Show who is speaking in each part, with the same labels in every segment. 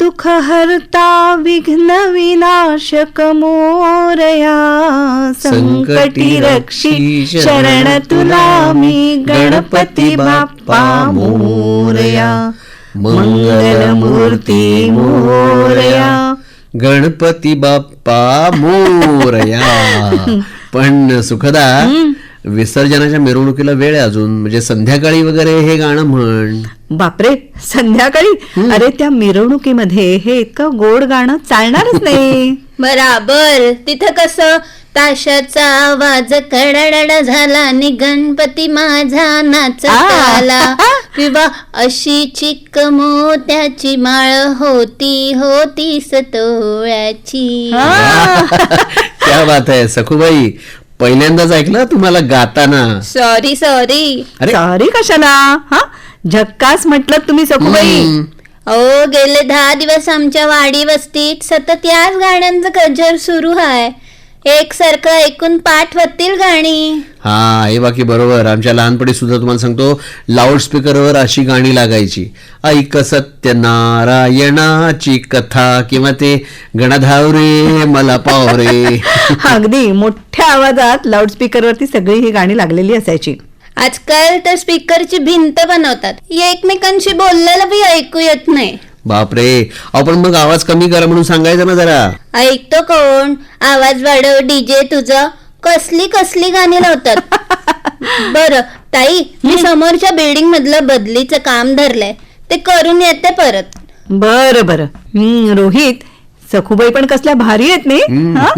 Speaker 1: दुःखहर्ता विघ्न विनाशक मोरया, संकटी रक्षी शरण तुला मी गणपती बाप्पा मोरया, मंगलमूर्ती मोरया.
Speaker 2: गणपती बाप्पा मोरया. पण सुखदा, विसर्जनाच्या मिरवणुकीला वेळ आहे अजून, म्हणजे संध्याकाळी वगैरे हे गाणं म्हण.
Speaker 1: बापरे, संध्याकाळी? अरे त्या मिरवणुकीमध्ये हे इतकं गोड गाणं चालणारच नाही.
Speaker 3: बराबर. तिथं कसं ताशाचा आवाज कडडड झाला आणि गणपती माझा नाचत आला, किंवा अशी चिक्क मोत्याची माळ होती होती सतोळ्याची.
Speaker 2: क्या बात आहे सखूबाई, पहिल्यांदाच ऐकलं तुम्हाला गाताना.
Speaker 3: सॉरी.
Speaker 1: सॉरी कशाला? हा, झक्कास म्हटलं तुम्ही सखूबाई.
Speaker 3: अहो, गेले 10 दिवस आमच्या वाडी वस्तीत सतत याच गाण्यांचं गजर सुरू आहे. एकसारखं ऐकून पाठ होतील गाणी.
Speaker 2: हा, हे बाकी बरोबर. आमच्या लहानपणी सुद्धा तुम्हाला सांगतो, लाऊडस्पीकरवर अशी गाणी लागायची. ऐक सत्यनारायणाची कथा, किंवा ते गणधावरे मला पावरे.
Speaker 1: अगदी मोठ्या आवाजात लाऊडस्पीकरवरती सगळी ही गाणी लागलेली असायची.
Speaker 3: आजकाल तर स्पीकरची भिंत बनवतात, एकमेकांशी बोललेलं बी ऐकू येत नाही.
Speaker 2: बापरे, आपण मग आवाज कमी करा म्हणून सांगायचं ना जरा.
Speaker 3: ऐकतो कोण? आवाज वाढव डीजे तुझं. कसली कसली गाणी लावतात. बर ताई, मी समोरच्या बिल्डिंग मधलं बदलीचं काम धरलंय, ते करून येते परत.
Speaker 1: बर. रोहित, सखूबाई पण कसल्या भारी आहेत नाही. हा?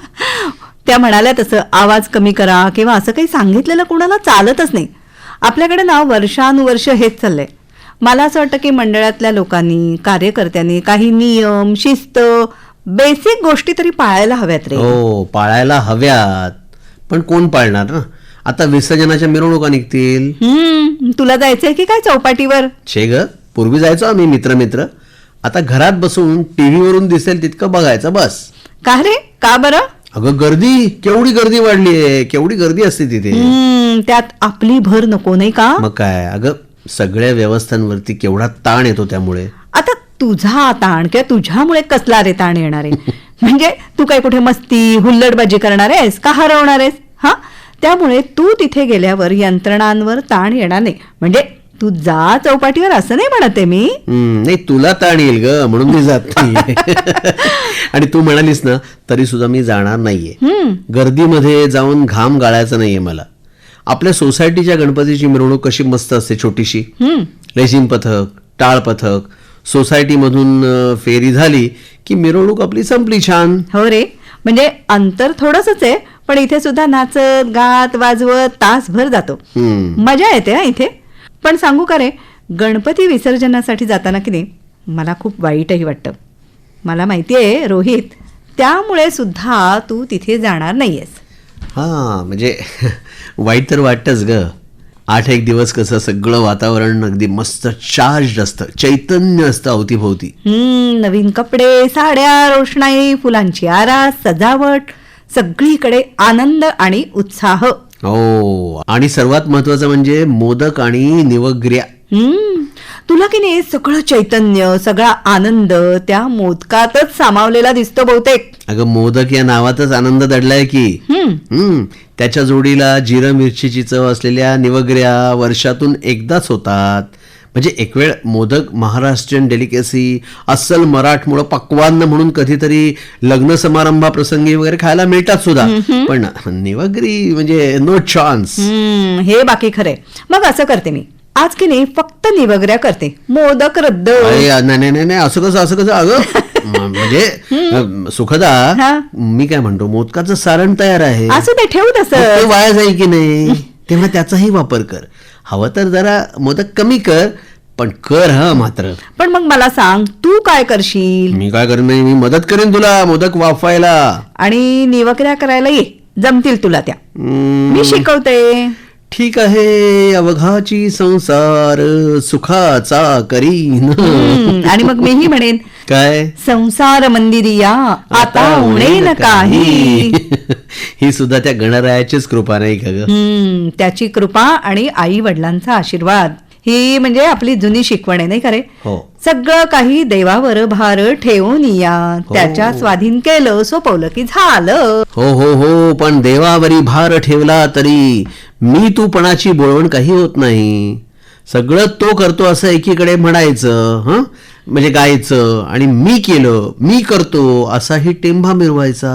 Speaker 1: त्या म्हणाल्या तसं आवाज कमी करा किंवा असं काही सांगितलेलं कोणाला चालतच नाही. आपल्याकडे ना वर्षानुवर्ष हेच चाललंय. मला असं वाटतं की मंडळातल्या लोकांनी, कार्यकर्त्यांनी काही नियम, शिस्त, बेसिक गोष्टी तरी पाळायला हव्यात रे.
Speaker 2: हो, पाळायला हव्यात. पण कोण पाळणार ना? आता विसर्जनाच्या मिरवणुका निघतील.
Speaker 1: तुला जायचंय की काय चौपाटीवर?
Speaker 2: छे ग, पूर्वी जायचो आम्ही मित्र. आता घरात बसून टीव्ही वरून दिसेल तितकं बघायचं बस.
Speaker 1: का रे, का बरं?
Speaker 2: अगं गर्दी, केवढी गर्दी वाढलीये, केवढी गर्दी असते तिथे.
Speaker 1: त्यात आपली भर नको नाही का?
Speaker 2: मग काय, अगं सगळ्या व्यवस्थांवरती केवढा ताण येतो. त्यामुळे
Speaker 1: आता तुझा ताण किंवा तुझ्यामुळे कसला रे ताण येणार आहे? म्हणजे तू काय कुठे मस्ती हुल्लडबाजी करणार आहेस का हरवणार आहेस? हा, त्यामुळे तू तिथे गेल्यावर यंत्रणांवर ताण येणार नाही. म्हणजे तू जा चौपाटीवर असं नाही म्हणते मी.
Speaker 2: नाही, तुला ताण येईल ग, म्हणून मी जात नाहीये. आणि तू म्हणालीस ना, तरी सुद्धा मी जाणार नाहीये. गर्दीमध्ये जाऊन घाम गाळायचा नाहीये मला. आपल्या सोसायटीच्या गणपतीची मिरवणूक कशी मस्त असते, छोटीशी. रेशीम पथक, टाळ पथक, सोसायटीमधून फेरी झाली की मिरवणूक आपली संपली छान.
Speaker 1: हो रे, म्हणजे अंतर थोडंसंच आहे, पण इथे सुद्धा नाचत गात वाजवत तासभर जातो. मजा येते हा इथे. पण सांगू का रे, गणपती विसर्जनासाठी जाताना की नाही मला खूप वाईटही वाटतं. मला माहितीये रोहित, त्यामुळे सुद्धा तू तिथे जाणार नाहीयेस.
Speaker 2: हा, म्हणजे वाईट तर वाटतंच ग. 8 दिवस कसं सगळं वातावरण अगदी मस्त चार्ज असतं, चैतन्य असतं अवतीभोवती.
Speaker 1: नवीन कपडे, साड्या, रोषणाई, फुलांची आरास, सजावट, सगळीकडे आनंद आणि उत्साह.
Speaker 2: हो, आणि सर्वात महत्वाचं म्हणजे मोदक आणि निवग्र्या.
Speaker 1: तुला की नाही सगळं चैतन्य, सगळा आनंद त्या मोदकातच सामावलेला दिसतो बहुतेक.
Speaker 2: अगं, मोदक या नावातच आनंद दडलाय की. त्याच्या जोडीला जिरं मिरचीची चव असलेल्या निवग्र्या वर्षातून एकदाच होतात. म्हणजे एक वेळ मोदक महाराष्ट्रीयन डेलिकेसी, अस्सल मराठमोळं पक्वान्न म्हणून कधीतरी लग्न समारंभाप्रसंगी वगैरे खायला मिळतात सुद्धा. पण निवग्री म्हणजे नो चान्स.
Speaker 1: हे बाकी खरे. मग असं करते मी, आज की नाही फक्त निवग्र्या करते, मोदक रद्द.
Speaker 2: नाही, असं कसं अगं. म्हणजे सुखदा, मी काय म्हणतो, मोदकाचं सारण तयार आहे,
Speaker 1: असं ते ठेवू तसं.
Speaker 2: ते वाया जाईल की नाही, तेव्हा त्याचाही वापर कर. हवं तर जरा मोदक कमी कर, पण कर हा मात्र.
Speaker 1: पण मग मला सांग, तू काय करशील?
Speaker 2: मी काय करेन? मी मदत करेन तुला मोदक वाफायला.
Speaker 1: आणि निवक्र्या करायला ये, जमतील तुला त्या. मी शिकवते.
Speaker 2: ठीक आहे, अवघाची संसार सुखाचा करीन.
Speaker 1: आणि मग मीही म्हणेन,
Speaker 2: काय?
Speaker 1: संसार मंदिरिया आता उणेन काही.
Speaker 2: ही सुद्धा त्या गणरायाचीच कृपा नाही का ग?
Speaker 1: त्याची कृपा आणि आई वडिलांचा आशीर्वाद ही म्हणजे आपली जुनी शिकवण आहे नाही का रे?
Speaker 2: हो.
Speaker 1: सगळं काही देवावर भार ठेवून या, त्याच्या स्वाधीन केलं सोपवलं की झालं.
Speaker 2: हो हो हो, पण देवावरी भार ठेवला तरी मी तूपणाची बोळवण काही होत नाही. सगळं तो करतो असं एकीकडे म्हणायचं, हं, म्हणजे गायचं, आणि मी केलं, मी करतो असाही टेंभा मिरवायचा.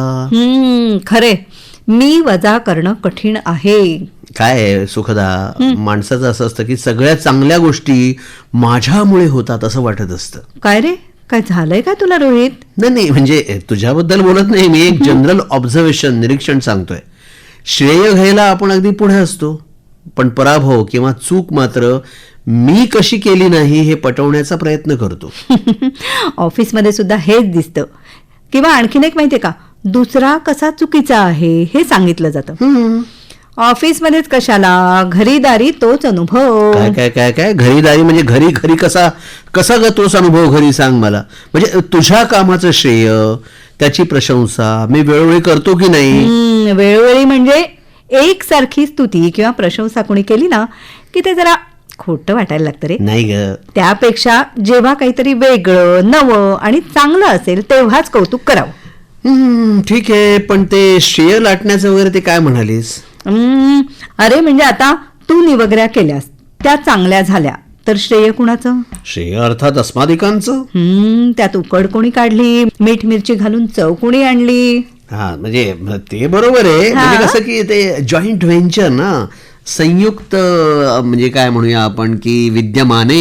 Speaker 1: खरे, मी वजा करणं कठीण आहे.
Speaker 2: काय आहे, सुखदा, माणसाचं असं असतं की सगळ्या चांगल्या गोष्टी माझ्यामुळे होतात असं वाटत असतं.
Speaker 1: काय रे, काय झालंय का तुला रोहित?
Speaker 2: नाही नाही, म्हणजे तुझ्याबद्दल बोलत नाही मी, एक जनरल ऑब्झर्वेशन, निरीक्षण सांगतोय. श्रेय घ्यायला आपण अगदी पुढे असतो, पण पराभव किंवा चूक मात्र मी कशी केली नाही हे पटवण्याचा प्रयत्न करतो.
Speaker 1: ऑफिसमध्ये सुद्धा हेच दिसतं. किंवा आणखीन एक माहितीये का, दुसरा कसा चुकीचा आहे हे सांगितलं जातं. ऑफिसमध्येच कशाला, घरीदारी तोच अनुभव.
Speaker 2: काय काय काय काय घरीदारी म्हणजे घरी घरी कसा कसा ग तोच अनुभव घरी, सांग मला. म्हणजे तुझ्या कामाचं श्रेय, त्याची प्रशंसा मी वेळोवेळी करतो की नाही?
Speaker 1: वेळोवेळी म्हणजे एकसारखी स्तुती किंवा प्रशंसा कोणी केली ना की ते जरा खोटं वाटायला लागतं रे.
Speaker 2: नाही ग.
Speaker 1: त्यापेक्षा जेव्हा काहीतरी वेगळं, नवं आणि चांगलं असेल तेव्हाच कौतुक करावं.
Speaker 2: ठीक आहे, पण ते श्रेय लाटण्याचं वगैरे ते काय म्हणालीस?
Speaker 1: अरे म्हणजे आता तू निवगऱ्या केल्यास, त्या चांगल्या झाल्या, तर श्रेय कुणाचं?
Speaker 2: श्रेय अर्थात अस्मादिकांचं.
Speaker 1: त्यात उकड कोणी काढली, मीठ मिरची घालून चव कोणी आणली.
Speaker 2: हा, म्हणजे ते बरोबर आहे. म्हणजे कसं की ते जॉईंट व्हेंचर ना, संयुक्त, म्हणजे काय म्हणूया आपण की विद्यमाने.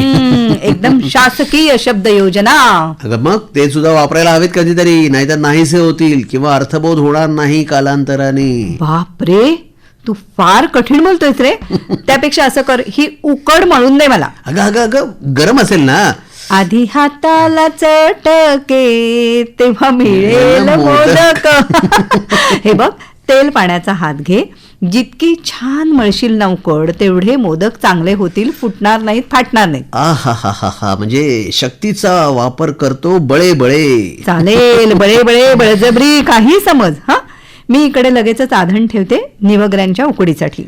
Speaker 1: एकदम शासकीय शब्द योजना.
Speaker 2: अगं मग ते सुद्धा वापरायला हवेत कधीतरी, नाहीतर नाहीसे होतील किंवा अर्थबोध होणार नाही कालांतराने.
Speaker 1: बापरे, तू फार कठीण बोलतोयस रे. त्यापेक्षा असं कर, ही उकड म्हणून दे मला.
Speaker 2: अगं अगं अगं गरम असेल ना.
Speaker 1: आधी हाताला चटके तेव्हा मिळेल मोदक. हे बघ, तेल पाण्याचा हात घे, जितकी छान मळशील ना उकड, तेवढे मोदक चांगले होतील, फुटणार नाहीत, फाटणार नाहीत.
Speaker 2: हा हा हा हा, म्हणजे शक्तीचा वापर करतो, बळे बळे.
Speaker 1: चालेल, बळे बळे बळजबरी काही समज. हा, मी इकडे लगेचच आधण ठेवते निवगऱ्यांच्या उकडीसाठी.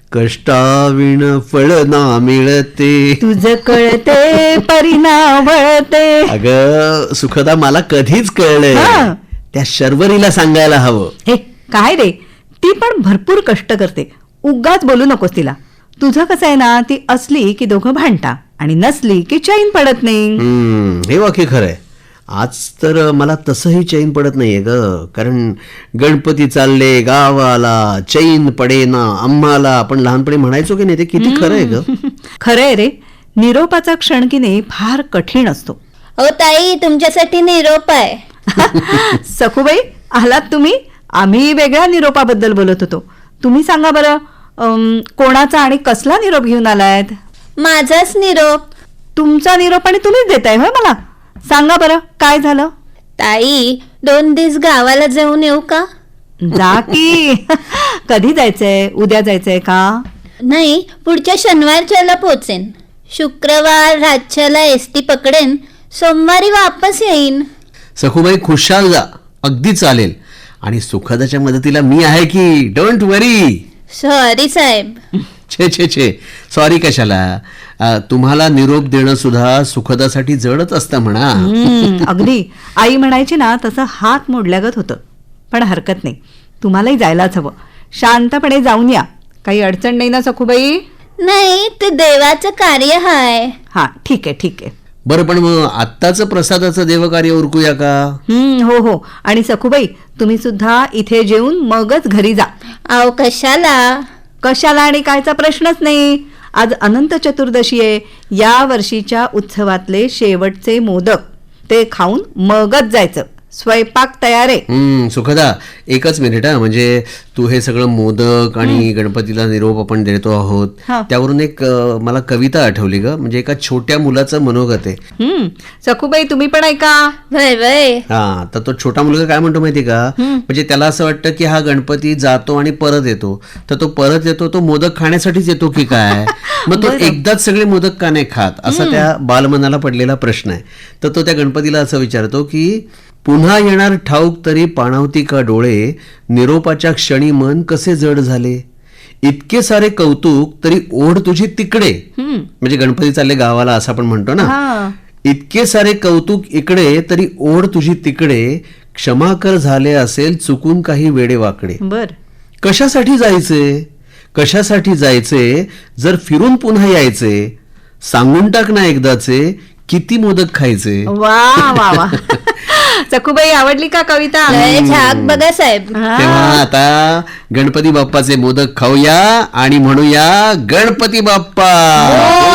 Speaker 2: कष्टाविण फळ ना मिळते,
Speaker 1: तुझं कळते परिणा वळते.
Speaker 2: अगं सुखदा, मला कधीच कळलंय,
Speaker 1: हा.
Speaker 2: त्या शर्वरीला सांगायला हवं.
Speaker 1: हे काय रे, ती पण भरपूर कष्ट करते, उगाच बोलू नकोस तिला. तुझं कसं आहे ना, ती असली की दोघं भांडता आणि नसली की चैन पडत नाही.
Speaker 2: हे वाक्य खरंय. आज तर मला तसंही चैन पडत नाहीये ग, कारण गणपती चालले गावाला, चैन पडेना आम्हाला, आपण लहानपणी म्हणायचो की नाही, ते किती खरं आहे ग.
Speaker 1: खरंय रे, निरोपाचा क्षण की नाही फार कठीण असतो.
Speaker 3: हो ताई, तुमच्यासाठी निरोप आहे.
Speaker 1: सखूबाई, आलात तुम्ही? आम्ही वेगळ्या निरोपाबद्दल बोलत होतो. तुम्ही सांगा बरं, कोणाचा आणि कसला निरोप घेऊन आलायत?
Speaker 3: माझाच निरोप.
Speaker 1: तुमचा निरोप आणि तुम्हीच देताय होय मला? सांगा बरं, काय झालं?
Speaker 3: ताई, 2 दिवस गावाला जाऊन येऊ का?
Speaker 1: जा की. कधी जायचंय? उद्या जायचंय का?
Speaker 3: नाही, पुढच्या शनिवारच्याला पोचेन. शुक्रवार रातच्याला एसटी पकडेन, सोमवारी वापस येईन.
Speaker 2: सखूबाई, खुशाल जा, अगदी चालेल. आणि सुखदाच्या मदतीला मी आहे की, डोंट वरी.
Speaker 3: सॉरी साहेब.
Speaker 2: छे छे छे, सॉरी कशाला. तुम्हाला निरोप देणं सुद्धा सुखदासाठी जडच असतं म्हणा.
Speaker 1: अगदी आई म्हणायची ना, तसं हात मोडल्यागत होतं. पण हरकत नाही, तुम्हालाही जायलाच हवं. शांतपणे जाऊन या, काही अडचण नाही ना सखूबाई?
Speaker 3: नाही, ते देवाचं कार्य हाय.
Speaker 1: हा, ठीक आहे ठीक आहे.
Speaker 2: बरं, पण मग आत्ताचं प्रसादाचं देवकार्य उरकूया का?
Speaker 1: हो हो. आणि सखूबाई, तुम्ही सुद्धा इथे जेवून मगच घरी जा.
Speaker 3: आव कशाला?
Speaker 1: कशाला आणि कायचा प्रश्नच नाही. आज अनंत चतुर्दशी आहे. या वर्षीच्या उत्सवातले शेवटचे मोदक, ते खाऊन मगच जायचं. स्वयंपाक तयार आहे.
Speaker 2: सुखदा, एकच मिनिट हा. म्हणजे तू हे सगळं मोदक आणि गणपतीला निरोप आपण देतो आहोत,
Speaker 1: हा.
Speaker 2: त्यावरून एक मला कविता आठवली ग. म्हणजे एका छोट्या मुलाचं मनोगत आहे.
Speaker 1: सखूबाई, तुम्ही पण ऐका.
Speaker 3: वय वय.
Speaker 2: हा, तर तो छोटा मुलगा काय म्हणतो माहिती का, म्हणजे त्याला असं वाटतं की हा गणपती जातो आणि परत येतो, तर तो परत येतो तो मोदक खाण्यासाठीच येतो की काय, मग तो एकदाच सगळे मोदक का नाही खात, असा त्या बालमनाला पडलेला प्रश्न आहे. तर तो त्या गणपतीला असं विचारतो की पुन्हा येणार ठाऊक तरी पाणावती का डोळे, निरोपाच्या क्षणी मन कसे जड झाले, इतके सारे कौतुक तरी ओढ तुझी तिकडे. म्हणजे गणपती चालले गावाला असं आपण म्हणतो ना.
Speaker 1: हा.
Speaker 2: इतके सारे कौतुक इकडे तरी ओढ तुझी तिकडे, क्षमा कर झाले असेल चुकून काही वेडे वाकडे.
Speaker 1: बर.
Speaker 2: कशासाठी जायचे जर फिरून पुन्हा यायचे, सांगून टाक ना एकदाचे किती मोदक खायचे.
Speaker 1: वा वा वा. सखूबाई आवडली का कविता?
Speaker 3: लय झाक बघा साहेब.
Speaker 1: हा.
Speaker 2: तेव्हा आता गणपती बाप्पाचे मोदक खाऊया आणि म्हणूया गणपती बाप्पा.